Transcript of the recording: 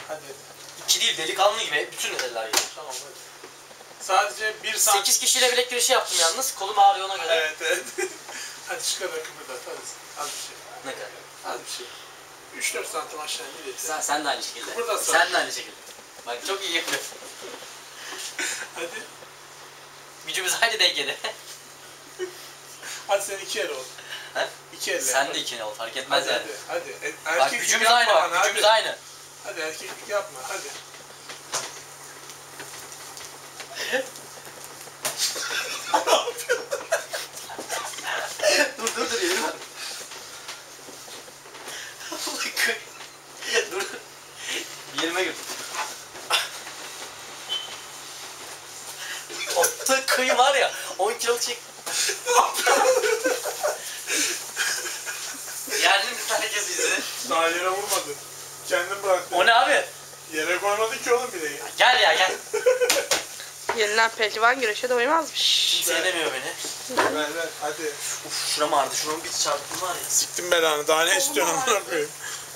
Hadi. 2 değil, delikanlı gibi bütün eller gibi. Tamam hadi. Sadece 1 santim. 8 kişiyle bilek güreşi yaptım yalnız. Kolum ağrıyor ona göre. Evet evet. Hadi çıkar kıpırdat hadi. Az bir şey. Ne kadar? Az bir şey. 3-4 santim aşağı indir yeter. Sen de aynı şekilde. Kıpırdat sen. Sen de aynı şekilde. Bak çok iyi yapıyorsun. Hadi. Gücümüz aynı dengede. Hadi sen 2 el ol. He? 2 elle. Sen de ikine ol, fark etmez Hadi yani. hadi. Bak Erkek gücümüz yapma aynı bak, bana, gücümüz hadi. aynı. Hadi erkeklik yapma hadi. dur yerim var. dur. Yerime gir. Orta kıyı var ya, 10 kiloluk çek. Yerli mi herkes izledi? Daha yere vurmadı. Kendin bıraktın. O ne abi? Yere koymadı ki oğlum bileği. Gel ya gel. Yenilen pehlivan güreşe doymazmış. Kimse yenemiyor beni. Ver hadi. Uf şuram ağrıdı, şuramın bir çarptım var ya. Siktim belanı daha ne istiyorsun amına koyayım.